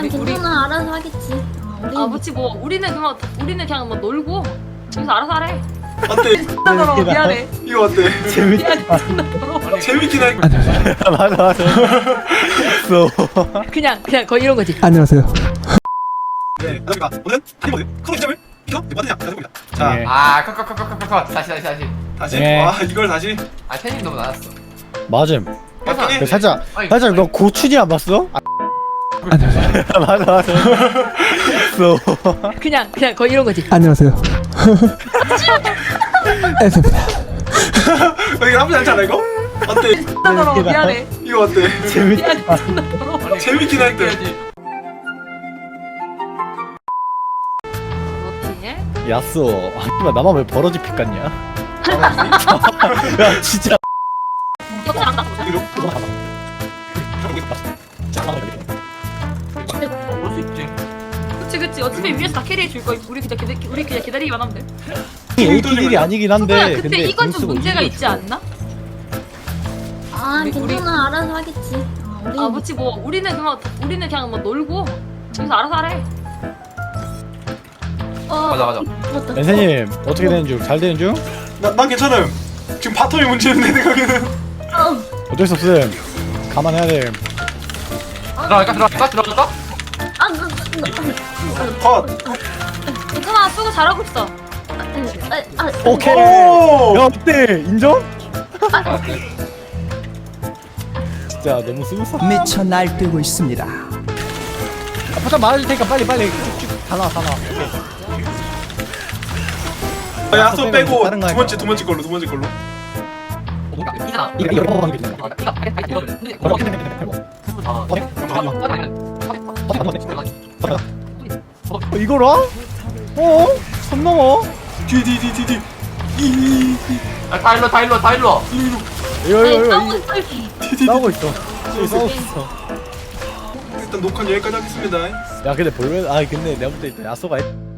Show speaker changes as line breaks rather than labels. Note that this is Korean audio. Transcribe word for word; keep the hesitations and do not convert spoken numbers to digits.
우리
괜찮아 알아서 하겠지. 어, 우리
아 뭐지 뭐 우리는 그냥 우리는 그냥 뭐 놀고 여기서 알아서 하래.
어때?
존나 더러워 미안해.
이거 어때?
재밌다.
미안해 존나 더러워.
재밌긴 할
맞아 맞아. 써.
그냥 그냥 거의 이런 거지.
안녕하세요.
네, 그러니까 오늘 하이버드 크로 시점을 이거 맞느냐 가져봅니다. 자,
예.
아, 컷컷컷컷컷컷 다시 다시 다시.
다시
네.
와 이걸 다시.
아, 팬님 너무 낮았어.
맞음.
맞긴 해.
그 살짝
아니,
살짝 너 고추지 안 봤어? 아. 맞아 맞아. 써.
그냥 그냥 거의 이런 거지.
안녕하세요. 에스입니다.
이거 나쁘지 않지 않아 이거? 어때?
존나 더러워 미안해.
이거 어때?
재밌다.
미안해 존나 더러워.
재밌긴 할 듯.
어떻게?
야쏘. 아, 나만 왜 버러지 픽 같냐? 야 진짜.
이거 잘한다.
이거
볼 수 있지.
그치 그치 어차피 위에서 다 캐리해 줄 거야. 우리 그냥 기다 우리 그냥 기다리기만 하면 돼.
에이티일이 아니긴 한데.
근데, 근데 이건 좀
공수가
문제가
이기고
있지
있어.
않나?
아
우리-
괜찮아 알아서 하겠지. 어, 우리
아 뭐지 뭐 우리는 그냥 우리는 그냥 뭐 놀고 여기서 알아서 하래.
어
맞아 맞아.
맞다.
렌세님 어떻게 되는 중? 잘 되는 중?
나, 난 괜찮음. 지금 바텀이 문제는 내 생각에는.
어,
어쩔 수 없음. 감안해야 돼.
들어갈까 들어갈까 들어갈까?
아, 나, 나, 나,
컷.
괜찮아 수고 잘하고 있어.
아, 아,
오케이.
오!
야 어때? 인정? 진짜 너무 스무스하다.
미쳐 날뛰고 있습니다.
아, 포장 말아줄 테니까 빨리 빨리 쭉쭉 다 나와 다 나와.
아, 야소 빼고
다른 거
두 번째 두 번째 걸로 두 번째 걸로.
이잖아.
이거 이거 먹는 게 되는
아, 이거 발이 이거. 근데
거야. 어, 이걸 와? 어? 선 넘어?
뒤뒤뒤뒤뒤. 이.
아, 다 일로 다 일로 다 일로.
이거
아니,
이거
싸우고
이거
있어.
싸우고 있어. 저기 싸우고 있어.
일단 녹화 여기까지 하겠습니다.
야 근데 볼면 아 근데 내가 볼 때 야소가